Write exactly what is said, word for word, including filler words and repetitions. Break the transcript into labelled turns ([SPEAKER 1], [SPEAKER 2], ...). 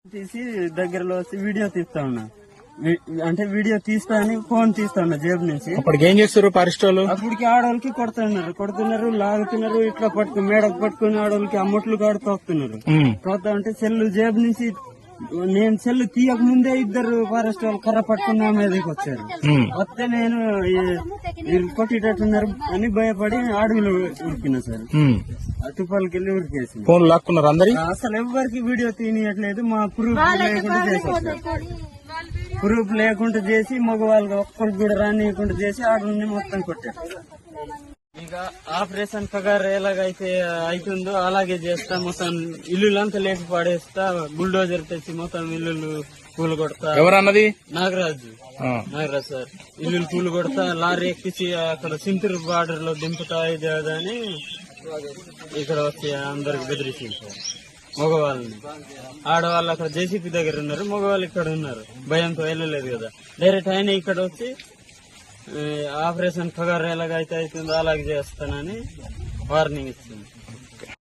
[SPEAKER 1] తీసి దగ్గరలో వచ్చి వీడియో తీస్తా ఉన్నా. అంటే వీడియో తీస్తా అని ఫోన్ తీస్తా ఉన్నా జేబు నుంచి.
[SPEAKER 2] అప్పటికి ఏం చేస్తారు ఫారెస్ట్ వాళ్ళు?
[SPEAKER 1] అప్పటికి ఆడవాళ్ళకి కొడుతున్నారు కొడుతున్నారు లాగుతున్నారు, ఇట్లా పట్టుకుని మేడకు పట్టుకుని ఆడవాళ్ళకి అమ్మట్లు కాడు తోస్తున్నారు. తోస్తా ఉంటే సెల్లు జేబు నుంచి నేను సెల్లు తీయక ముందే ఇద్దరు ఫారెస్ట్ వాళ్ళు కర్ర పట్టుకుని నా మీదకి వచ్చారు. వస్తే నేను వీళ్ళు కొట్టేటట్టున్నారు అని భయపడి అడవిలో ఉరికినా సార్. తుపాలకి వెళ్ళి ఉరికేసి
[SPEAKER 2] ఫోన్ లాక్కున్నారు అందరి.
[SPEAKER 1] అసలు ఎవరికి వీడియో తీయట్లేదు. మా ప్రూఫ్ లేకుండా చేసేసారు. ప్రూఫ్ లేకుండా చేసి మగవాళ్ళకి ఒక్కరికి కూడా రానియకుండా చేసి ఆడని మొత్తం కొట్టారు. ఇక ఆపరేషన్ పగారు ఎలాగైతే అవుతుందో అలాగే చేస్తా. మొత్తం ఇల్లులంతా లేపి పడేస్తా. బుల్డోజర్ తెచ్చి మొత్తం ఇల్లు కూలు కొడతా.
[SPEAKER 2] ఎవరన్నది?
[SPEAKER 1] నాగరాజు నాగరాజు సార్. ఇల్లు కూలు కొడతా, లారీ ఎక్కించి అక్కడ సింతూరు బార్డర్ లో దింపుతా. ఇది అని ఇక్కడ వచ్చి అందరికి బెదిరించింది సార్. మగవాళ్ళని ఆడవాళ్ళు అక్కడ జేసీపీ దగ్గర ఉన్నారు, మగవాళ్ళు ఇక్కడ ఉన్నారు. భయంతో వెళ్ళలేదు కదా. డైరెక్ట్ ఆయన ఇక్కడ వచ్చి ఆపరేషన్ పగారు ఎలాగైతే అవుతుందో అలాగే చేస్తానని వార్నింగ్ ఇచ్చింది.